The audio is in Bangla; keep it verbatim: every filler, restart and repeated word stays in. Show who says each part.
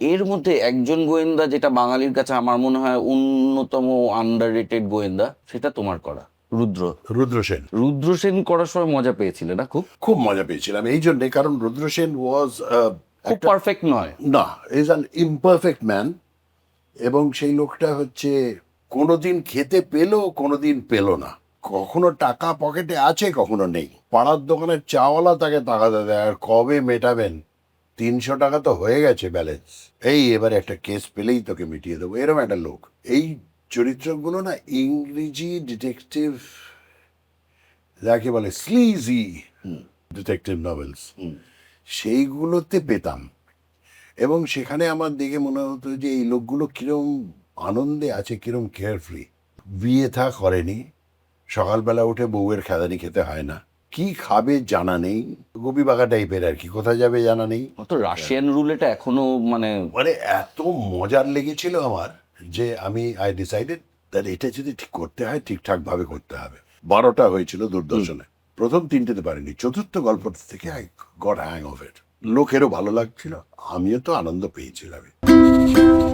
Speaker 1: এর মধ্যে একজন গোয়েন্দা যেটা বাঙালির কাছে আমার মনে হয় অন্যতম আন্ডাররেটেড গোয়েন্দা, সেটা তোমার করা, রুদ্র।
Speaker 2: রুদ্র সেন।
Speaker 1: রুদ্র সেন করার সময় মজা পেয়েছিলে না? খুব
Speaker 2: খুব মজা পেয়েছিলাম এই জন্যে, কারণ রুদ্র সেন ওয়াজ
Speaker 1: খুব পারফেক্ট নয়,
Speaker 2: না, ইজ অ্যান ইমপারফেক্ট ম্যান। এবং সেই লোকটা হচ্ছে কোনোদিন খেতে পেলো, কোনোদিন পেলো না, কখনো টাকা পকেটে আছে, কখনো নেই। পাড়ার দোকানের চাওয়ালা তাকে তাকাতে দেয়, আর কবে মেটাবেন, তিনশো টাকা তো হয়ে গেছে ব্যালেন্স, এই এবারে একটা কেস পেলেই তোকে মিটিয়ে দেবো, এরকম একটা লোক। এই চরিত্রগুলো না ইংরেজি ডিটেকটিভ যাকে বলে স্লিজি ডিটেকটিভ নভেলস, সেইগুলোতে পেতাম। এবং সেখানে আমার দেখে মনে হতো যে এই লোকগুলো কিরম আনন্দে আছে, কিরম কেয়ারফ্রি। বিয়ে থা করেনি, সকালবেলা উঠে বউয়ের খেদানি খেতে হয় না, কি খাবে জানা নেই, গোপী বাঘা টাইপের আর কি, কোথায় যাবে জানা নেই।
Speaker 1: অত রাশিয়ান রুলেটা এখনো মানে
Speaker 2: মানে এত মজার লেগেছিল আমার যে আমি আই ডিসাইডেড দ্যাট এটা যদি ঠিক করতে হয় ঠিকঠাক ভাবে করতে হবে। বারোটা হয়েছিল দূরদর্শনে, প্রথম তিনটেতে পারিনি, চতুর্থ গল্প থেকে I got hang of it. লোকেরও ভালো লাগছিল, আমিও তো আনন্দ পেয়েছিলাম।